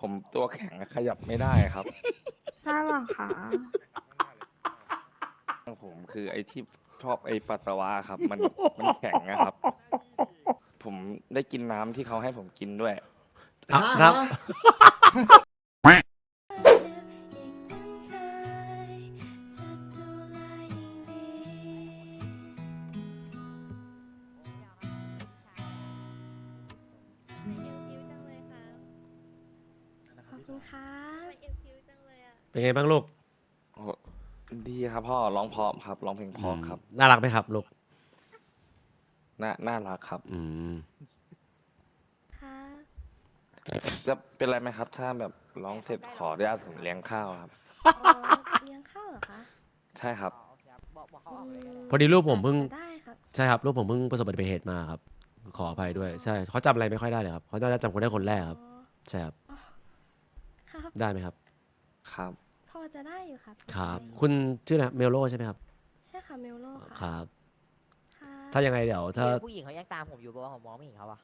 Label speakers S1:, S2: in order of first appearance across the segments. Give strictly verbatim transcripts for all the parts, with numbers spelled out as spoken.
S1: ผมตัวแข็งขยับไม่ได้ครับ
S2: ใช่เหรอคะ
S1: ผมคือไอ้ที่ชอบไอ้ปัสสาวะครับ มันมันแข็งนะครับ ผมได้กินน้ำที่เขาให้ผมกินด้วย
S3: อ่ะครับ
S2: ขอบคุณค่ะ
S3: เป็นไงบ้างลูก
S1: โอ้โหดีครับพ่อร้องเพราะครับร้องเพลงเพราะครับ
S3: น่ารักไหมครับลูก
S1: น่าน่ารักครับ
S3: อืม
S2: ค่ะ
S1: จะเป็นไรไหมครับ ถ้าแบบร้องเสร็จขออนุญาตผมเลี้ยงข้าวครับ
S2: อ๋อเลี้ยงข้าวเหรอคะ
S1: ใช่ครับ
S3: พอดีลูกผมเพิ่ง
S2: จะได้ครับ
S3: ใช่ครับลูกผมเพิ่งประสบอุบัติเหตุมาครับ ขออภัยด้วย ใช่เขาจำอะไรไม่ค่อยได้เลยครับเขาน่าจะจำคนได้คนแรกครับ
S2: อ๋อ
S3: ใช่ครับ
S2: ครับ
S3: ได้ไหมครับ
S1: ครับ
S2: พอจะได้อยู่ครับ
S3: ครับ คุณชื่ออะไรเมลโลใช่ไหมครับ
S2: ใช่ค่ะเมลโล
S3: ค
S2: ค่ะ
S3: รับ
S2: ค่ะ
S3: ถ้ายังไงเดี๋ยวถ้า
S4: ผู้หญิงเขายังตามผมอยู่เพราะว่าผมมองไม่เห็นเขาอะ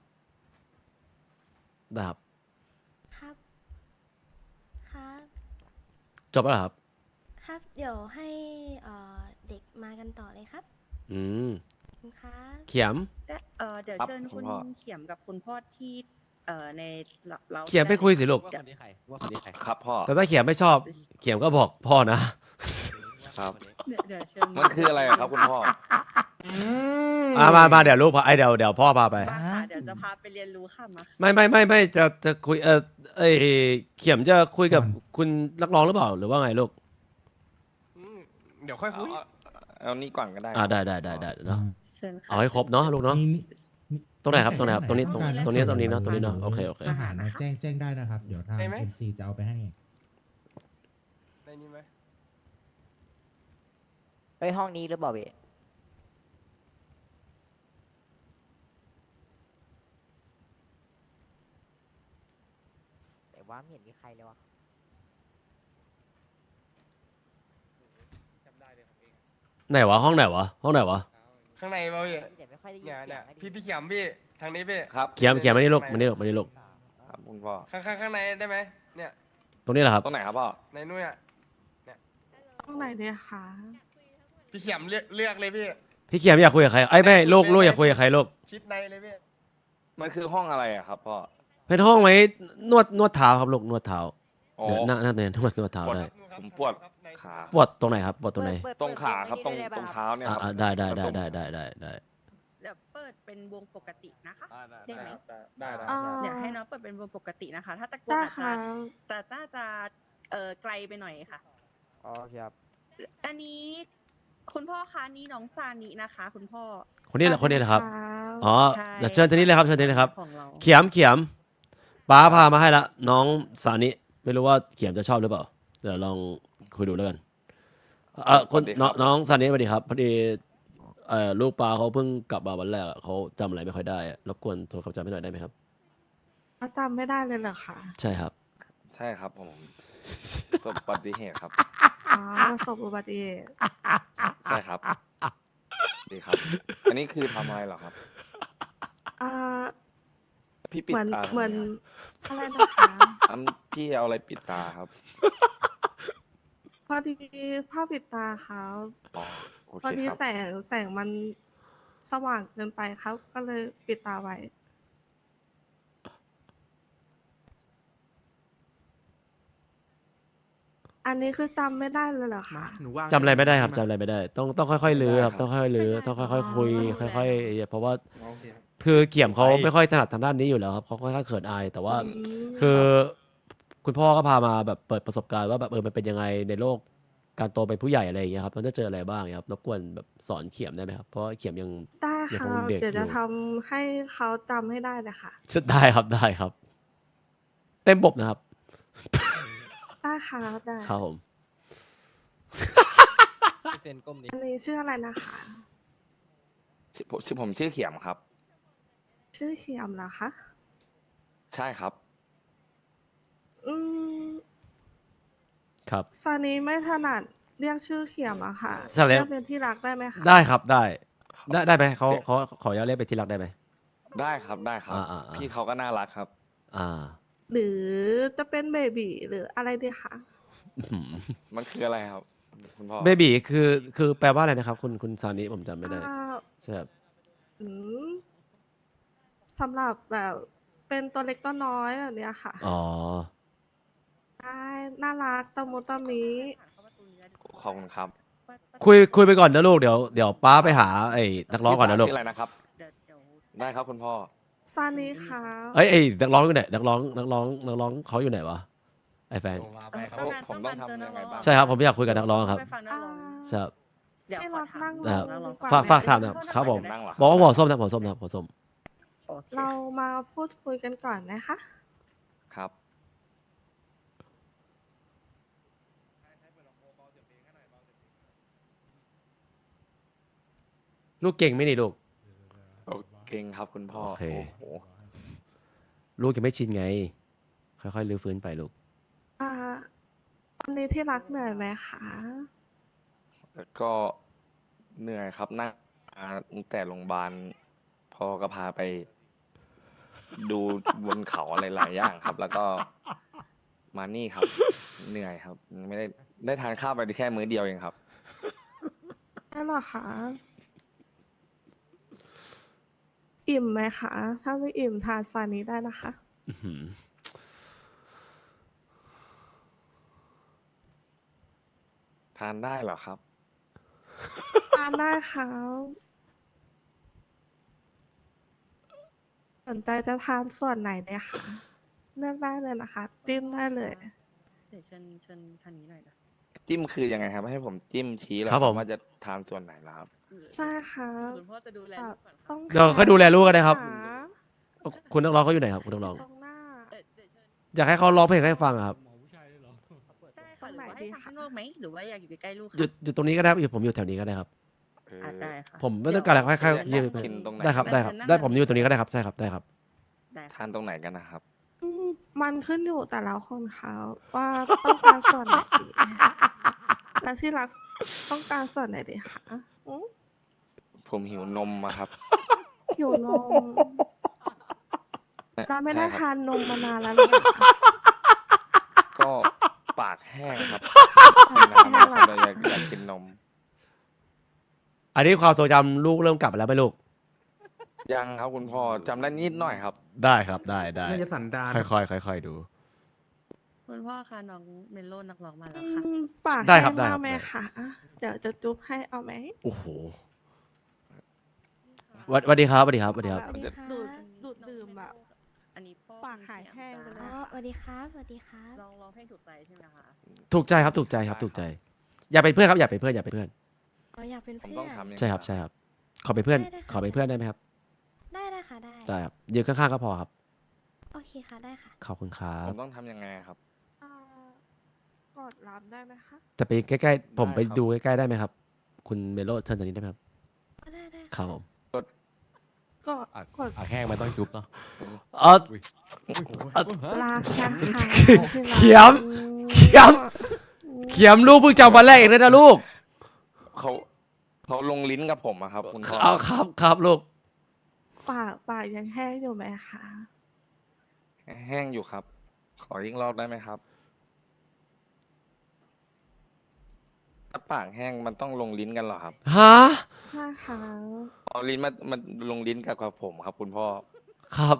S3: ได้ครับ
S2: ครับ ครับ
S3: จบแล้วเหรอครับ
S2: ครับ เดี๋ยวให้เอ่อเด็กมากันต่อเลยครับ
S3: อืม
S2: ขอบคุณครับ
S3: เขียม
S5: และเอ่อเดี๋ยว
S1: ครับ
S5: เชิญ
S1: คุ
S5: คุณ ณ
S1: พ่อ
S5: เขียมกับคุณพ่อที่เอ่อในเรา
S3: เขียมไปคุยสิลูก
S5: เดี๋ยว
S1: ครับพ่อ
S3: แต่ถ้าเขียมไม่ชอบ เขียมก็บอกพ่อนะ
S1: ครับ
S5: เดี๋ยวเดี๋ยวเชิญ
S1: มันคืออะไรอะครับคุณพ่อ
S3: มามามาเดี๋ยวลูกพาไอยเดี๋ยวเดี๋ยวพ่อพาไป
S5: มาค่ะเดี๋ยวจะพาไปเรียนรู้ค่ะมา
S3: ไม่ไม่ไม่ไม่จะจะคุยเออเอยเขียมจะคุยกับคุณนักร้องหรือเปล่าหรือว่าไงลูก
S6: เดี๋ยวค่อยคุย
S1: เอาเอานี่ก่อนก็ได้
S3: อ่าได้ได้ได้ได้เนาะ
S5: เชิญค่ะ
S3: เอาให้ครบเนาะลูกเนาะ
S7: มีมี
S3: ตรงไหนครับตรงไหนครับตรงนี้ตรง
S7: การ
S3: ตรงนี้
S7: แลก
S3: ตรงนี้เนาะ
S7: ส่
S3: ตรงนี้เนาะโอเคโอเค
S7: อาหารนะแจ้งแจ้งได้นะครับ เดี๋ยวทาง
S6: ได้ไหม
S7: เอ็มซีจะเอาไปให้
S6: ในนี้ไหม
S4: ไปห้องนี้หรือเปล่าเบแต่ว่าไม่เห็นมีใครเลยวะ
S3: ไหนวะห้องไหนวะห้องไหนวะ
S6: ข้างในเปล่าพี่
S4: แต่ไม่ค่อยได้ยิน
S6: เนี่ย
S4: เสี
S6: เนี่ย ย
S4: งไม่ได้
S6: พี่
S4: ยิน
S6: พี่เขียมพี่ทางนี้พี่
S1: ครับ
S3: เขียมเขียมมานี่ลูกมานี่ลูกมานี่ลูก
S1: ครับคุณพ่อ
S6: ข้างข้างข้างในได้ไหมเนี่ย
S3: ตรงนี้แหละครับ
S1: ตรงไหนครับพ่อ
S6: ในนู้นเนี่ย
S2: ต้องไหนดีคะ
S6: พี่เขียมเลือกเลือกเลยพี่
S3: พี่เขียมอยากคุยกับใครไอ้ยไม่ลูกลูกอยากคุยกับใครลูก
S6: ชิดในเลยพี่
S1: มันคือห้องอะไรอะครับพ่อ
S3: เป็นห้องไว้นวดนวดเท้าครับลูกนวดเท้า
S1: อ๋อ
S3: เดี๋ยวนั่งนั่งเนี่ยนวดนวดเท้า
S1: ปวด
S3: ได้
S1: ผมปวดขา
S3: ปวดตรงไหนครับปวดตรงไหน
S4: เปิด
S1: ตรงขาครับ
S4: เปิ
S1: ตรง
S4: ดเปิด
S1: ตรง
S4: ได้
S1: เท้าเนี่ย
S3: อ่า
S1: ครับ
S3: อ่าได้ได้ได้ได้ได้ได้ได้
S5: เดี๋ยวเปิดเป็นวงปกตินะคะ
S1: อ่าได้
S5: ได้ไหม
S1: ได้ได้
S2: อ่า
S5: เดี๋ยวให้น้องเปิดเป็นวงปกตินะคะ ถ้าตะโกน
S2: ได้
S5: อาจ
S2: ค่ะ
S5: จะแต่น่าจะเอ่อไกลไปหน่อยค่ะ
S4: อ๋อครับ
S5: อันนี้คุณพ่อคะนี่น้องซานินะคะ คุณพ่อ
S3: คนนี้แหละคนนี้แหละครับ
S2: บ
S3: อ๋อ
S5: ใช่
S3: เดี๋ยวเชิญทีนี้เลยครับเชิญทีนี้เลยครับ
S5: ของเรา
S3: เขียมเขียมป้าพามาให้ละน้องสานิไม่รู้ว่าเขียมจะชอบหรือเปล่าเดี๋ยวลองคุยดูแล้วกันเออคนน้องน้องสานิสวัสดีครับพอดีเอ่อลูกปลาเขาเพิ่งกลับมาวันแรกอะเขาจำอะไรไม่ค่อยได้อะรบกวนโทรคำจำให้หน่อยได้ไหมครับ
S2: เขาจำไม่ได้เลยเหรอคะ
S3: ใช่ครับ
S1: ใช่ครับผมประสบอุบัติเหตุครับ
S2: อ๋อประสบอุบัติเหตุ
S1: ใช่ครับ ดีครับ อันนี้คือทำอะไรเหรอครับ
S2: อ่า
S1: พี่ปิด
S2: เหมือน
S1: ตา
S2: เหมือน
S1: ทำไ
S2: อะไรนะคะ
S1: อันพี่เอาอะไรปิดตาครับ
S2: พอดีผ้าปิดตาเขา
S1: อ๋อโอ
S2: พอ
S1: เค
S2: ดี
S1: ครับ
S2: แสงแสงมันสว่างเกินไปเขาก็เลยปิดตาไว้ อันนี้คือจำไม่ได้เลยเหรอคะ
S6: หนูว่าง
S3: จำอะไรไม่ได้ครับจำอะไรไม่ได้ ต้องต้องค่อยๆลื้อครับต้องค่อยๆลื้อต้องค่อยๆคุย ค่อยๆเพราะว่า
S6: โอเคครับ
S3: คือเกี่ยมเขาไม่ค่อยถนัดทางด้านนี้อยู่แล้วครับเขาค่อนข้างเขินอายแต่ว่า
S2: อืม
S3: คือคุณพ่อก็พามาแบบเปิดประสบการณ์ว่าแบบเออมันเป็นยังไงในโลกการโตเป็นผู้ใหญ่อะไรอย่างเงี้ยครับมันจะเจออะไรบ้างครับรบกวนแบบสอนเขียมได้ไหมครับเพราะว่าเขียมยัง
S2: ได้
S3: ยัง
S2: ค่ะ
S3: คงเด็ก
S2: เดี๋ยวจะ
S3: อยู่
S2: ทำให้เขาจำให้ได้เลยค่ะ
S3: ได้ครับได้ครับ เต็มบบนะครับ
S2: ได้ค่ะได้
S3: ครับผม
S8: เซนก้มดิ
S2: อันนี้ชื่ออะไรนะคะ
S1: ชื่อผมชื่อผมชื่อเขียมครับ
S2: ชื่อเขียมเหรอคะ
S1: ใช่ครับ
S2: อืม
S3: ครับ
S2: ซานี้ไม่ถนัดเรียกชื่อเขียมอะค่ะ
S3: ซาเล้
S2: เรี
S3: ง
S2: ยกเป็นที่รักได้ไหมคะ
S3: ได้ครับได้ ได้ได้ไหมเขา
S1: เสีย
S3: เขาขออนุญาตเรียกไปนที่รักได้ไหม
S1: ได้ครับได้ครับ
S3: อ่าอ่าอ่า
S1: พี่เขาก็น่ารักครับ
S3: อ่า
S2: หรือจะเป็นเบบีหรืออะไรดีคะ
S3: อื้อหือ
S1: มันคืออะไรครับ คุณพ่อ
S3: เบบีคือคือแปลว่าอะไรนะครับ คุณคุณซานิผมจำไม่ได้
S2: อ่า
S3: ใช่ครับ
S2: อืมสำหรับแบบเป็นตัวเล็กตัวน้อยแบบเนี้ยค่ะ
S3: อ๋อ
S2: ใช่น่ารักตะมุตะมิ
S1: ขอบคุณครับ
S3: คุยคุยไปก่อนนะลูกเดี๋ยวเดี๋ยวป้าไปหาไอ้นักร้องก่อนนะลูก
S1: ชื่ออะไรนะครับ
S5: เดี๋ยวเดี๋ยว
S1: ได้ครับคุณพ่อ
S2: ซานีค่ะ
S3: เอ้ยไอ้นักร้องอยู่ไหนนักร้องนักร้องนักร้องเขาอยู่ไหนวะไอ้แฟน
S6: โทรมาไปครับ
S1: ผมผมต้องทำยังไงบ้าง
S3: ใช่ครับผมอยากคุยกับนักร้องครับ
S5: ไปฟังนัก
S2: อ่า
S5: ร้อง
S3: ใช่ครับ
S5: เดี๋ยว
S2: ที่
S5: ขอ
S2: รัก
S5: ถาม
S2: นั่ง
S3: ค
S2: ล
S3: รับ
S2: งดีกว่า
S3: ฝาก
S2: ไหม
S3: ฝากถามหนะครับผม
S1: นั่งเหรอ
S3: บอกว่าหัวส้มนะหัวส้มนะหัวส้ม
S5: โอเค
S2: เรามาพูดคุยกันก่อนนะคะ
S1: ครับ
S3: ลูกเก่งไหมนี่ลูก
S1: โอเคครับคุณพ่อ
S3: โอเค
S1: โห
S3: ลูกยังไม่ชินไง ค่อยๆลื้อฟื้นไปลูก
S2: อ่าวันนี้ที่รักเหนื่อยไหมคะ
S1: แล้วก็เหนื่อยครับนั่งมาตั้งแต่โรงพยาบาลพ่อก็พาไป ดูบนเขาอะไรหลายอย่างครับ แล้วก็มานี่ครับ เหนื่อยครับ ไม่ได้ได้ทานข้าวไปแค่มื้อเดียวเองครับ
S2: ได้หรอคะ อิ่มไหมคะ ถ้าไม่อิ่มทานซานี้ได้นะคะ
S3: อื้อหือ
S1: ทานได้เหรอครับ
S2: ทานได้ค่ะสนใจจะทานส่วนไหนเนี่ยคะเลือกได้เลยนะคะ จิ้มได้เลย
S5: เดี๋ยวเชิญเชิญทางนี้หน่อยนะ
S1: จิ้มคือยังไงครับ ให้ผมจิ้มชี้เหรอ
S3: ครับผม
S1: ว่าจะทานส่วนไหนล่ะครับ
S2: ใช่ค่ะ
S5: คุณพ่อจะดูแล
S2: แบ
S5: ลู
S2: บ
S5: กก่อน
S2: ต้
S5: ค่ะ
S2: อง
S3: เดี๋ยวค่อยดูแลลูกก็ได้ครับ
S2: ขา
S3: คุณนักร้องเขาอยู่ไหนครับคุณนักร้อง
S2: ตรงหน้า
S5: เดี๋ยวเดี๋ยวเชิญ
S3: อยากให้เขาร้องเพลงให้ฟังอะครับ
S5: ได้ค่ะหรือว่าให้ทำข้างนอกไหมหรือว่าอยากอยู่ใกล้ๆลูก
S3: อยู่อยู่ตรงนี้ก็ได้อยู่ผมอยู่แถวนี้ก็ได้ครับ
S1: เออ
S5: อ่ะได้ค่ะ
S3: ผมไม่ต้องการอะไรให้ใคร
S1: เดี๋ยว
S3: ยืม
S1: กินตรงไหน
S3: ได้ครับได้ครับ ได้ผมอยู่ตรงนี้ก็ได้ครับใช่ครับได้ครับ
S5: ได้ค่ะ
S1: ทานตรงไหนกันนะครับ
S2: อืมมันขึ้นอยู่แต่ละคนเขาว่าต้องการส่วนไหนดี และที่รักต้องการส่วนไหนดีคะอืม
S1: ผมหิวนมอะครับ
S2: หิวนมเราไม่ได้
S1: ใช่ครับ
S2: ทานนมมานานแล้วหรอคะ
S1: ก็ปากแห้งครับ
S2: ปาก
S1: กิน
S2: แห้ง
S1: น้ำ
S2: เหร
S1: แล้
S2: อ
S1: วก็เลยอยากอยากกินนม
S3: อันนี้ความทรงจำลูกเริ่มกลับมาแล้วไหมลูก
S1: ยังครับคุณพ่อจำได้นิดหน่อยครับ
S3: ได้ครับได้ได้
S8: น่าจะสันดาน
S3: ค่อยๆค่อยๆดู
S5: คุณพ่อคะน้องเมโลนักร้องมาแล้ว
S2: อื
S5: ค่ะ
S2: มปาก
S3: ได้
S2: แห้
S3: ครับ
S2: ง
S3: ได้
S2: มา
S3: ครั
S2: ก
S3: บ
S2: ไหม
S3: ได้
S2: คะเดี๋ยวจะจุ๊บให้เอาไหม
S3: โอ้โหสวัสดีครับสวัสดีครับสวัสดีครับ
S2: แบบ
S9: สวัสดีค่ะ
S2: ดูดดูดดื่มแบบ
S5: อันนี้พ่อ
S2: ปากหายแห้งไปเลย
S9: อ๋อสวัสดีครับสวัสดีครับ
S5: ลองร้องเพลงถูกใจใช่ไหมคะ
S3: ถูกใจครับถูกใจครับถูกใจ อย่าเป็นเพื่อนครับอย่าเป็นเพื่อนอย่าเป็นเพื่อน
S9: อ๋ออยากเป็น
S1: ผม
S9: เพื่
S1: ต้
S9: อ
S1: อง
S9: น
S1: ทำยังไง
S3: ใช่ครับใช่ครับขอเป็นเพื่อน
S9: ได้ได้ค่ะ
S3: ขอเป็นเพื่อนได้ไหมครับ
S9: ได้ได้ค่ะได้
S3: ได้ครับยืนข้างๆก็พอครับ
S9: โอเคค่ะได้ค่ะ
S3: ขอบคุณครั
S1: ผ
S3: บ
S1: มต้องทำยังไงครับ
S2: อ่ากดรับได้ไหมคะ
S3: แต่ไปใกล้ๆผมไป
S1: ได้ครับ
S3: ดูใกล้ๆได้ไหมครับ คุณเมโลเชิญตรงนี้ได้ไหมครับ
S9: ก็ได้ได้
S3: ครับผม
S2: กดกด
S8: อ่ะแห้งมันต้องจุ๊บเนาะ
S3: เออ
S2: ลากนะคะ
S3: เขียมเขียม เขียมลูกเพิ่งจำวันแรกเองเลยนะลูก
S1: เขาเขาลงลิ้นกับผมอะครับ คุณพ่อ
S3: เอาครับครับลูก
S2: ปากปากยังแห้งอยู่ไหมคะ
S1: แห้งอยู่ครับ ขอยิ่งรอบได้ไหมครับถ้าปากแห้งมันต้องลงลิ้นกันเหรอครับ
S3: ฮะ
S2: ใช่ค่ะ
S1: เอาลิ้นมามันลงลิ้นกับกับผมครับ คุณพ่อ
S3: ครับ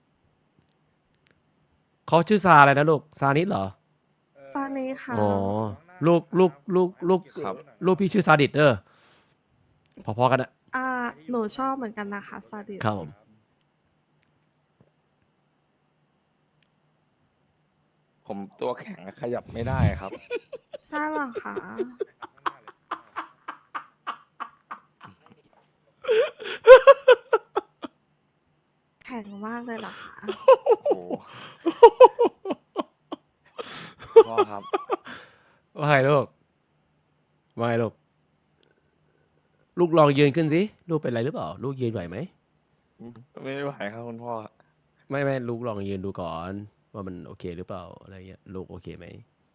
S3: เขาชื่อซาอะไรนะลูกซานิดเหรอ
S2: ตอนนี้ค่ะ
S3: อ๋อลูกลูกลูกลูก
S1: ครับ
S3: ลูกพี่ชื่อซาดิสเด้อพอๆกันนะ
S2: อ่าหนูชอบเหมือนกันนะคะซาดิส
S3: ครับผม
S1: ผมตัวแข็งขยับไม่ได้ครับ
S2: ใช่เหรอคะแข็งมากเลยเหรอคะ
S1: โอ้โหพ่อครับ
S3: ว่าไงลูกว่าไงลูกลูกลองยืนขึ้นสิลูกเป็นไรหรือเปล่า ลูกยืนไหวไหม
S1: ไม่ไหวครับคุณพ่อ
S3: ไม่ไม่ลูกลองยืนดูก่อน ว่ามันโอเคหรือเปล่าอะไรเงี้ยลูกโอเคไหม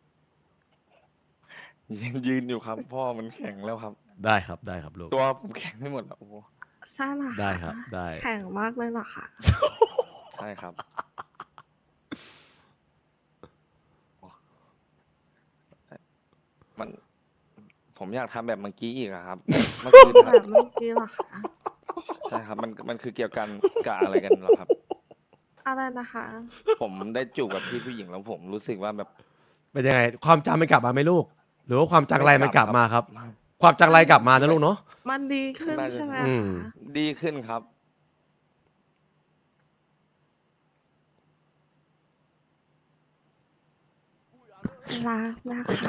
S1: ยังยืนอยู่ครับ พ่อมันแข็งแล้วครับ
S3: ได้ครับได้ครับลูก
S1: ตัวผมแข็งไม่หมดแล้วโอ้โห
S2: ใช่เหรอคะ
S3: ได้ครับได้
S2: แข็งมากเลยเหรอคะ
S1: ใช่ครับผมอยากทำแบบเมื่อกี้อีกอะครับ มันคือ
S2: แบบเมื่อกี้เหรอคะ
S1: ใช่ครับ มันมันคือเกี่ยวกันกับอะไรกันเหรอครับ
S2: อะไรนะคะ
S1: ผมได้จูบกับพี่ผู้หญิงแล้วผมรู้สึกว่าแบบ
S3: เป็นยังไง ความจำมันกลับมาไหมลูก หรือว่าความจังไรมันกลับมาครับ
S1: ไม่
S3: ความจังไรกลับมานะลูกเนาะ
S2: มันดีขึ้น
S1: น่าจะ
S2: ใช่ไหม
S3: อืม
S2: คะ
S1: ดีขึ้นครับ
S2: รักนะคะ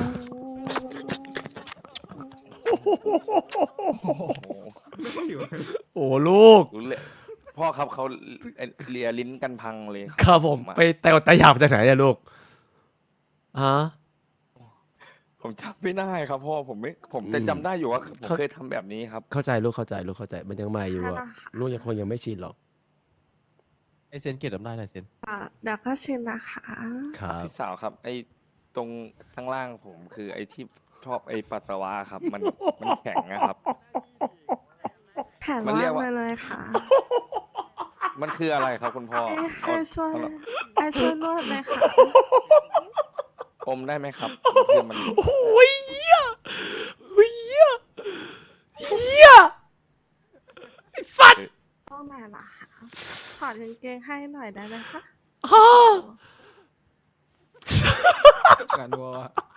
S3: โอ้ลูก
S1: รู้เลยพ่อครับเขาเลียลิ้นกันพังเลยค
S3: ครับผม
S1: อะ
S3: ไปแต่แต่หยาบจากไหนอะลูกฮะ
S1: ผมจำไม่ได้ครับพ่อผมไม่ผมแต่
S3: อืม
S1: จำได้อยู่ว่าผม
S3: เขา
S1: เคยทำแบบนี้ครับ
S3: เข้าใจลูกเข้าใจลูกเข้าใจมันยังใหม่อยู่อะ
S2: ค่ะนะคะ
S3: ลูกยังคงยังไม่ชินหรอก
S8: ไอเซนเก็บจำได้เลยเซน
S2: อ่ะเดี๋ยวก็ชินนะคะ
S3: ครับ
S1: พี่สาวครับ ไอ้ตรงข้างล่างผมคือไอ้ที่ชอบไอ้ปัสสาวะครับ มันมันแข็งนะครับ
S2: แผน
S1: มัน
S2: ว่า
S1: เรียก
S2: ง
S1: ว่า
S2: ไปเลยค่ะ
S1: มันคืออะไรครับคุณพ่อ
S2: ไอ้
S1: เอา
S2: ไอ้ช่วย
S1: เอา
S2: ไอ้ช่วยนวดไหมคะ
S1: อมได้ไหมครับคือมัน
S3: โอ้ยเหี้ยโอ้ยเหี้ยเหี้ย
S2: ต้องไหนล่ะคะถอดกางเกงให้หน่อยได้ไหมคะ
S3: ฮะ
S8: งานวัว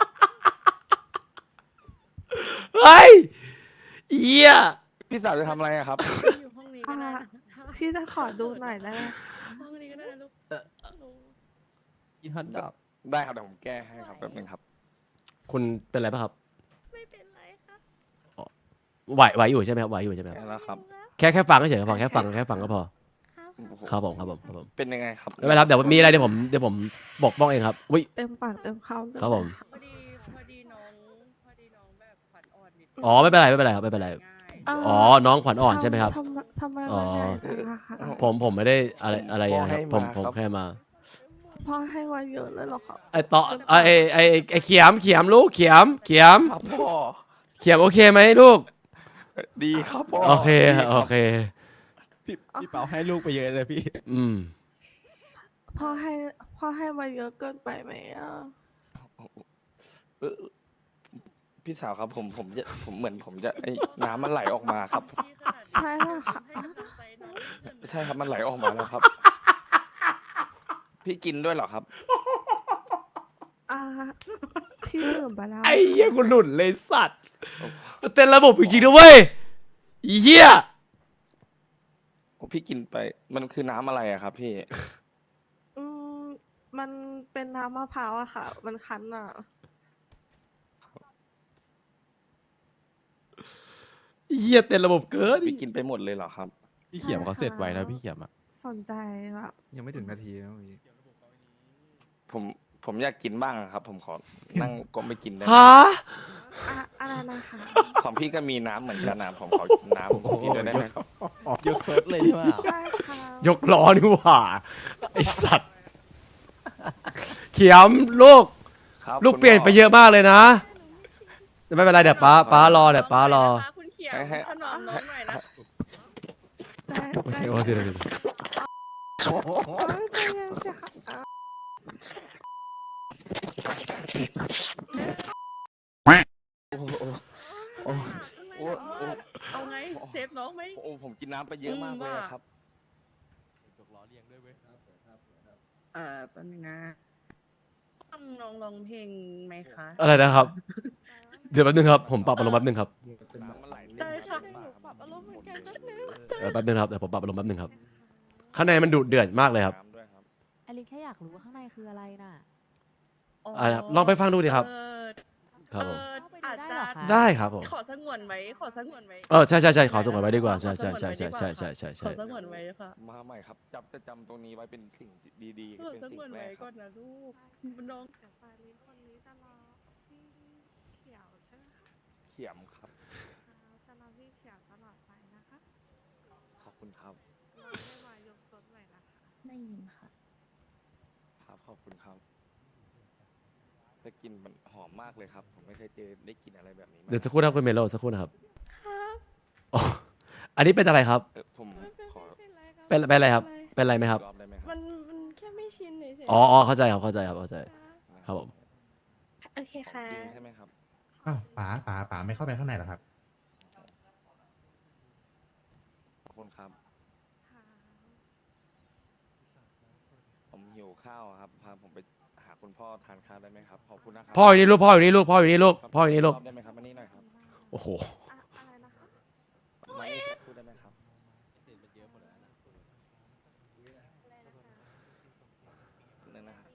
S3: เฮ้ยเหี้ย
S1: พี่สาวจะทำอะไรอะครับ
S5: อยู่ห้องนี้
S2: อ่าพี่จะขอดูหน่อยได้ไหมคะ
S5: ห้องนี้ก็ได้นะลูก
S8: กินฮันดอก
S1: ได้ครับเดี๋ยวผมแก้ให้ครับแป๊บนึงครับ
S3: คุณเป็นอะไรป่ะครับ
S9: ไม่เป็นไรค่ะ
S3: ไหวไหวอยู่ใช่ไหมครับไหวอยู่ใช่ไหมครับ
S1: แก้แล้วครับ
S3: แค่แค่ฟังก็เฉยๆก็พอแค่ฟังแค่ฟังก็พอ
S9: ครับ
S3: ครับผมครับผมครับผม
S1: เป็นยังไงครับ
S3: ไม่เป็นไรครับเดี๋ยวมีอะไรเดี๋ยวผมเดี๋ยวผมบอกป้องเองครับอุ้ย
S2: เต็มปากเต็มคำเลย
S3: ครับผม
S2: นะะ
S5: พอดีพอดีน้องพอดีน้องแบบขวัญอ่อนนิด
S3: อ๋อไม่เป็นไรไม่เป็นไรครับไม่เป็นไร
S5: ง่าย
S2: เ
S3: อ๋อน้องขวัญอ่อนใช่ไหมครับ
S2: ทำทำไม
S3: อ๋อ
S2: มันใหญ่จังอะคะ
S3: ผมผมไม่ได้อะไรอะไรอย่างเงี้ยครับผมผมแค่มา
S2: พ่อให้มาเยอะเลยเหรอครับ
S3: ไอต่อไอไอไอไอเขียมเขียมลูกเขียมเขียม
S1: ครับพ่อ
S3: เขียมโอเคไหมลูก
S1: ดีครับพ่อ
S3: โอเค
S1: ดีรับ
S3: โอเค
S8: พี่พี่เปาให้ลูกไปเยอะเลยพี่
S3: อืม
S2: พ่อให้พ่อให้มาเยอะเกินไปไหมอ่ะ
S1: เออพี่สาวครับผมผมจะผมเหมือนผมจะไอ้น้ำมันไหลออกมาครับ
S2: ใช่เหรอคะ
S5: ให้กำลังใจน้องนิดนึง
S1: ใช่ครับมันไหลออกมาแล้วครับ พี่กินด้วยเหรอครับ
S2: อ่าพี่ดื่มไปแล้ว
S3: ไอ้เหี้ยกูหลุดเลยสัตว์เต้นระบบจริงๆด้วยเวยไอ้เหี้ย
S1: โอ้พี่กินไป มันคือน้ำอะไรอะครับ พี่
S2: อืมมันเป็นน้ำมะพร้าวอะค่ะ มันคั้นอะ
S3: เหี้ยเต้นระบบเกิน
S1: พี่กินไปหมดเลยเหรอครับ
S8: พี่เขียมเขาเสร็จไวนะพี่เขียมอ่ะ
S2: สนใจแบบ
S8: ยังไม่ถึงนาทีนะพี่
S1: ผมผมอยากกินบ้างอะครับ ผมขอนั่งก้มไปกินได้ไหม
S3: ฮะ
S2: อะอะไรนะคะ
S1: ของพี่ก็มีน้ำเหมือนกันนะผมขอกินน้ำของพี่ด้วยได้ไหมครับ
S8: ยกเซิร์ฟเลยใช่ไหม
S2: ได้ค่ะ
S3: ยกล้อนี่หว่าไอสัตว์เขียมลูก
S1: ครับ
S3: ลูก
S1: คุณ
S3: เปลี่ยนไป
S1: พ่
S3: เยอะมากเลยนะแต่ไม่เป็นไรเดี๋ยวป้าป้ารอเดี๋ยวป้ารอ
S5: น้งหน่ยนะคะคุณเขียว
S1: ให้ให้
S5: ถนอมน้องหน่อยนะ
S2: ใจ
S3: โอ
S2: ใจ
S3: เคโอเคโอเค
S2: โอ้ยใจเย็นสิค่ะอ่ะ
S1: โอ้โหโอ้โหโอ้โหโอ้โห
S5: เอาไงเซฟน้องไหม
S1: โอ้โหผมกินน้ำไปเยอะมากเลยอะครับ
S8: ยกล้อเรียงด้วยเว้ย
S5: เอ่อแป๊บนึงนะต้องน้องร้องเพลงไหมคะ
S3: อะไรนะครับ เดี๋ยวแป๊บนึงครับผมปรับอารมณ์แป๊บนึงครับ
S1: น้ำมันไหล
S5: ได้ค่ะ
S2: หนูปรับอารมณ์เหมือนกันแป๊บนึง
S3: เออแป๊บนึงครับเดี๋ยวผมปรับอารมณ์แป๊บนึงครับข้างในมันดุเดือดมากเลยครับ
S1: น้ำด้วยครับ
S10: อลินแค่อยากรู้ว่าข้างในคืออะไรน่ะ
S3: อ่ะครับลองไปฟังดูดิครับ
S5: เออ
S3: ครับผม
S5: เอออาจจะ
S3: ได้ครับผม
S5: ขอสงวนไว้ขอสงวนไว้
S3: เออใช่ใช่ใช่ขอส่งไว้ดีกว่าใช่ใช่ใช่ใช่ใช่ใช่ใช่
S5: ข
S3: ใช่
S5: อสงวนไว้ค่ะ
S1: มาใหม่ครับจำจะจำตรงนี้ไว้เป็นสิ่งดีๆ
S5: ขอ
S1: เป็น
S5: ส
S1: สิ่
S5: งวน
S1: งแร
S5: ไว้
S1: กค
S5: ก่
S1: รั
S5: อบ นนะลูกน้อง
S2: เดี๋ยวซาลินคนนี้จะรอพี่เขียวใช่ไหมคะ
S1: เขียมครับ
S2: อ่าจะรอพี่เขียวตลอดไปนะคะ
S1: ขอบคุณครับ
S2: เราได้มายกซดใหม่นะคะ
S10: ได้ยินค่ะ
S1: ครับขอบคุณครับแต่กลินมันหอมมากเลยครับ ผมไม่เคยเจอได้กลินอะไรแบบนี้มา
S3: เดี๋ยวสักครู่นะครับคุณเมโลสักครู่นะครับ
S9: ครับ
S3: อ๋ออันนี้เป็นอะไรครับ
S1: เออผม
S9: ไม่เป็น
S1: ขอ
S9: ไม่เป็นไรครับ
S3: เป็นเป็นอะไรครับ
S9: ม่
S3: เป็นอะไรไหมครับ
S1: รอบได้ไหมครั
S9: มั
S1: บ
S9: นมันแค่ไม่ชินเฉยๆ
S3: อ๋ออ๋อเข้าใจครับเข้าใจครับเข้าใจ
S9: ครับ
S3: ครับผม
S9: โอเคค่ะ
S1: จริงใช่ไหมครับ
S2: ข
S7: อ้าวป๋าป๋าป๋าไม่เข้าไปข้างในเหรอครับ
S1: ขอบคุณครับ ผมหิวข้าวอะครับ พาผมไปหาคุณพ่อทานข้าวได้ไหมครับ ขอบคุณนะครั
S3: พ่ออยู่นี่ลูกพ่ออยู่นี่ลูกพ่ออยู่นี่ลูกพ่ออยู่นี่ลูก
S1: ได้ไหมครับมานี่หน่อยครับ
S3: โอ้โห
S2: อะอะไรนะคะ
S1: มานี่พูดได้ไหมครับนั่นนะครับ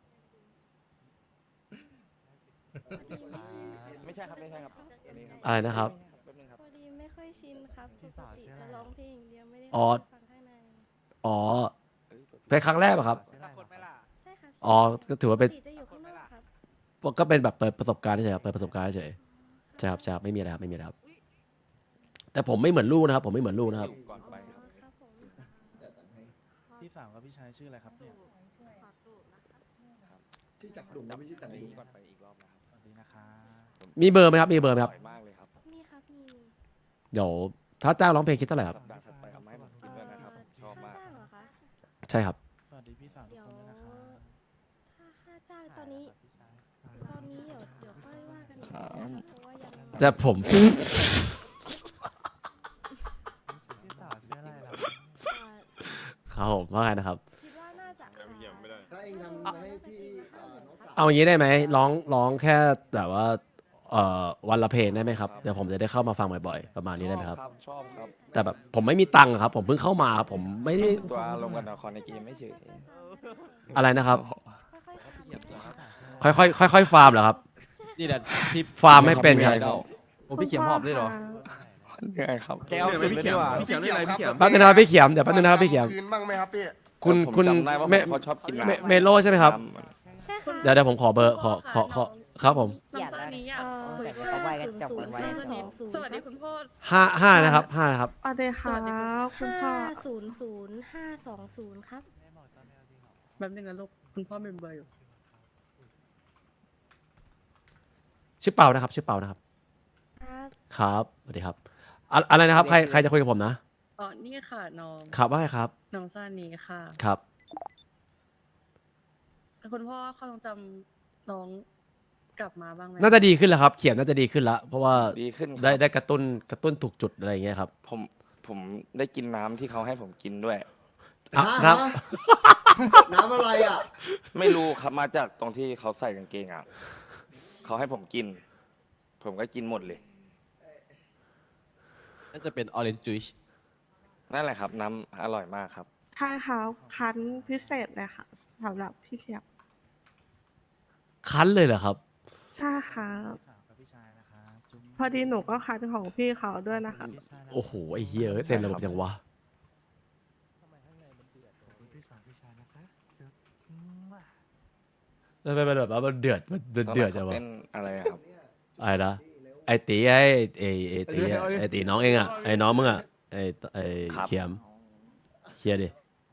S1: ไม่ใช่ครับไม่ใช่ครับอันนี้ครับ
S3: อะไรนะครับ
S1: แป๊บนึงครับ
S9: พอดีไม่ค่อยชินครับปกติจะร้องเพลงอย่างเดียวไม่ได้
S3: อ๋อ
S9: ฟังข้างใน
S3: อ๋อเป็นครั้งแรกเหรอครับ
S9: ใช่ครับ
S3: อ๋อก็ถือว่าเป็น
S9: ปกติจะอยู่ข้างนอกครับ
S3: ก็เป็นแบบเปิดประสบการณ์เฉยๆครับเปิดประสบการณ์เฉยๆใช่ครับใช่ครับไม่มีอะไรครับไม่มีอะไรครับ แต่ผมไม่เหมือนลูกนะครับ ผมไม่เหมือนลูกนะครับ
S1: ก่อนไปครับ
S9: ครับผม
S8: พี่สาวกับพี่ชายชื่ออะไรครับเนี่ย
S2: ขอตูดนะคะ
S11: ที่จับดุ่มไม่ใช่จับ
S1: อัน
S11: ดุ่
S1: นี้
S11: ม
S1: ก่อนไปอีกรอบนะครับ
S8: สวัสดีนะคะ
S3: มีเบอร์ไหมครับมีเบอร์ไหมครับ
S1: ร่อยมากเลยครับ
S9: นี่ครับมี
S3: เดี๋ยวถ้าจ้างร้องเพลงคิดเท่าไหร่ครับ
S1: สัปดาห์ถัดไปเอาไมาให้ผมกินด้วยนะครับผมชอบมาก
S9: ค่าจ้างเหรอคะ
S3: ใช่ครับ
S8: สวัสดีพี่สาวทุก
S9: เดี๋ยว
S8: คนด้วยนะคะ
S9: ถ้าค่าจ้างตอนนี้ ตอนนี้เดี๋ยวเดี๋ยวค่อยว่ากันอีก
S1: ครั
S9: นะ
S1: บ
S9: เพราะว่ายัง
S3: แต่ผม
S8: พี่สาวชื่ออะไรล่ะ
S9: อ่า
S3: ครับผมว่าไงนะครับ
S9: คิดว่าน่าจะ
S11: ถ้าเองทำให้พี่เอ่อน้องสาว
S3: เอาอย่างนี้ได้ไหมร้องร้องแค่แบบว่าเอ่อวันละเพลงได้ไหมครับเดี๋ยวผมจะได้เข้ามาฟังบ่อยๆประมาณนี้ได้ไหมครับ
S1: ชอบครับ
S3: แต่แบบผมไม่มีตังค์อะครับ ผมเพิ่งเข้ามาครับผมไม่ได้
S1: ตัวลงกันละครในเกมไม่เฉย
S3: อะไรนะครับ
S9: ค่อยๆขับ
S3: ค่อยๆค่อยๆฟาร์มเหรอครับ
S8: นี่แหละพี่
S3: ฟาร์มไม่เป็นครับ
S8: โอ้พี่เขียมหอบด้วยเหรอ
S1: เหนื่อยครับ
S6: แกเอาสิบเลยดีกว่าพี่เขียมอะไรพี่เขียม
S3: แป๊บนึงนะครับพี่เขียมเดี๋ยวแป๊บนึงนะครับพี่เขียม
S6: คืนบ้างไหมครับพี่
S3: คุณ
S1: ผม
S3: คุณ
S1: จำได้ว่า
S3: เม
S1: ผมเขาชอบกิน
S3: เม
S1: น้ำ
S3: เมโลใช่ไหมครับ
S9: ใช่ค่ะ
S3: เดี๋ยวเดี๋ยวผมขอเบอร์ขอขอขอครับผม
S4: เกลียดแล้ว
S5: นี้
S4: เนี่ย
S5: อ่ะ
S9: เอ่อ
S4: แต่เขาไวกันจับกันไว้
S9: ห้าสองศูนย์
S5: สวัสดีคุณพ่อ
S3: ห้าห้านะครับห้านะครับ
S2: สวัสดีค่ะคุณพ่อ
S9: ห้าศูนย์ศูนย์ห้าสองศูนย์ครับ
S5: แบบนึงนะลูกคุณพ่อเป็นเบอร์อยู่
S3: ชื่อเปานะครับ ชื่อเปานะครับ
S9: ครับ
S3: ครับสวัสดีครับอะอะไรนะครับใครใครจะคุยกับผมนะ
S5: อ๋อนี่ค่ะน้อง
S3: ครับว่าไงครับ
S5: น้องซานีค่ะ
S3: ครับ
S5: คุณพ่อความทรงจำน้องกลับมาบ้างไหม
S3: น่าจะดีขึ้นแล้วครับ เขียนน่าจะดีขึ้นแล้ว เพราะว่า
S1: ดีขึ้นครับ
S3: ได้ได้กระตุ้นกระตุ้นถูกจุดอะไรอย่างเงี้ยครับ
S1: ผมผมได้กินน้ำที่เขาให้ผมกินด้วย
S3: อ่ะ
S11: ฮะ
S3: ครับ
S11: น้ำอะไรอ่ะ
S1: ไม่รู้ครับมาจากตรงที่เขาใส่กางเกงอ่ะเขาให้ผมกิน ผมก็กินหมดเลย
S8: น่าจะเป็นออเรนจ์จูช
S1: นั่นแหละครับ น้ำอร่อยมากครับ
S2: ใช่ครับคันพิเศษเลยค่ะสำหรับพี่เขียว
S3: คั้นเลยเหรอครับ
S2: ใช่ครับ
S8: พี่สาวกับพี่ชายนะคะจุ๊บ
S2: พอดีหนูก็คันของพี่เขาด้วยนะคะ
S8: พี่ชายนะ
S3: โอ้โหไอ้เหี้ยเอ้ยเต็มระบบยังวะ
S8: พี่สาวพี่ชายนะคะจุ๊บ
S3: แล้วมันแบบว่ามันเดือดมันเดือดเดือดจังวะ
S1: เต้นอะไรอะครับ
S3: อะไรนะไอ้ตีไอ้ไอ้ไอ้ตีอะไอ้ตีน้องเองอ่ะไอ้น้องมึงอ่ะไอ้ไอ้
S1: ครับ
S3: เขียมเคลียร์ดิ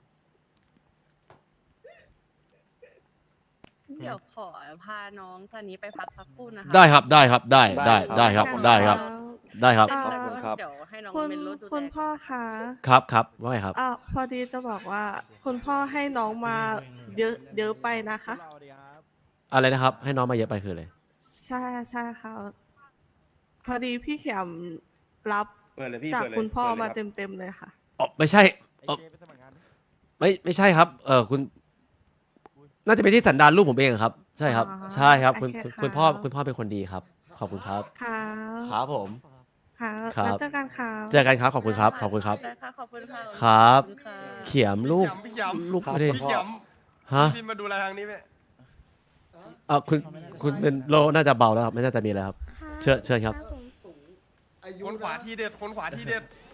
S5: เดี๋ยวขอพาน้องซานีไปพักสักครู่นะคะ
S3: ได้ครับได้ครับได้ได้
S1: ได้
S3: ได้
S1: ค
S3: ค
S1: รั
S3: รับ บได้ครับ ได้ครับ
S2: เอ่อ
S1: ขอบคุณครับ
S5: เดี๋ยวให้น้อง
S2: คุณ
S5: เป็นรถดู
S2: คุณ
S5: แล
S2: พ่อคะ
S3: ครับครับว่าไงครับ
S2: อ่ะพอดีจะบอกว่า คุณพ่อให้น้องมาเยอะเยอะไปนะคะ
S8: สวัสดีครับ
S3: อะไรนะครับ ให้น้องมาเยอะไปคืออะไร
S2: ใช่ใช่ค่ะพอดีพี่เขียมรับ
S6: เปิดเลยพี่
S2: จาก
S6: เปิดเลย
S2: คุณพ่อ
S6: เปิดเลย
S2: มา
S6: ครับ
S2: เต็มเต็มๆเลยค่ะ
S3: อ๋อไม่ใช่
S8: ไอ
S3: เอ่อ
S8: เจไปสมัครงานดิ
S3: ไม่ไม่ใช่ครับ เออคุณ น่าจะเป็นที่สันดานลูกผมเองครับ ใช่ครับ
S2: อ๋อ
S3: ใช่ครับ คุณ
S2: โอเค
S3: คุณ
S2: ค่ะ
S3: คุณพ่อคุณพ่อเป็นคนดีครับ ขอบคุณครับ
S2: ค่ะ
S3: ครับผม
S2: ค่ะ
S3: ครับ
S2: แล้วเจอกันค่ะ
S3: เจอกันครับขอบคุณครับขอบคุณครับ
S5: ได้ค่ะขอบคุณค่ะ
S3: ครับ
S5: ขอณค่ะ
S3: เขียมลูก
S6: พี่เขียม
S3: ลูก
S1: ครับ
S3: ไม่ได้
S6: พี่เขียม
S3: ฮะ
S6: พี่มาดูแลทางนี้ไหม
S3: เออคุณคุณเป็นโลน่าจะเบาแล้วครับไม่น่าจะมีแล้วครับ เชิญเชิญครับ
S9: ผม
S11: อายุ
S6: คนขวา
S11: นะ
S6: ทีเด็ดคนขวาทีเด็ด